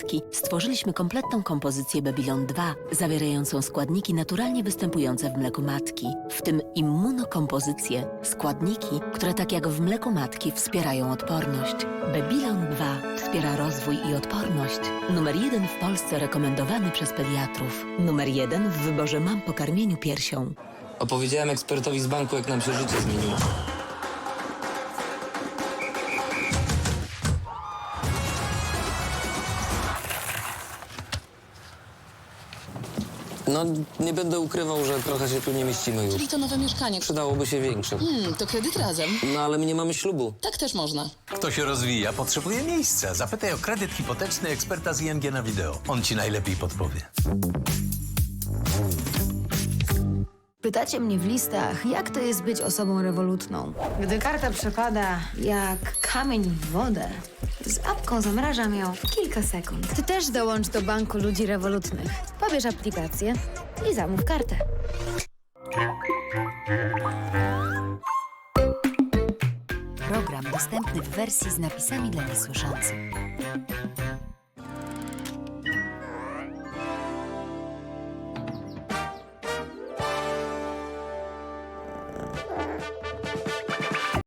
mlekomatki stworzyliśmy kompletną kompozycję Babylon 2, zawierającą składniki naturalnie występujące w mleku matki, w tym immunokompozycję, składniki, które tak jak w mleku matki wspierają odporność. Babylon 2 wspiera rozwój i odporność. Numer 1 w Polsce rekomendowany przez pediatrów. Numer 1 w wyborze mam po karmieniu piersią. Opowiedziałem ekspertowi z banku, jak nam się życie zmieniło. No, nie będę ukrywał, że trochę się tu nie mieścimy już. Czyli to nowe mieszkanie. Przydałoby się większe. To kredyt razem. No, ale my nie mamy ślubu. Tak też można. Kto się rozwija, potrzebuje miejsca. Zapytaj o kredyt hipoteczny eksperta z ING na wideo. On ci najlepiej podpowie. Pytacie mnie w listach, jak to jest być osobą rewolutną. Gdy karta przepada jak kamień w wodę, z apką zamrażam ją w kilka sekund. Ty też dołącz do banku ludzi rewolutnych. Pobierz aplikację i zamów kartę. Program dostępny w wersji z napisami dla niesłyszących.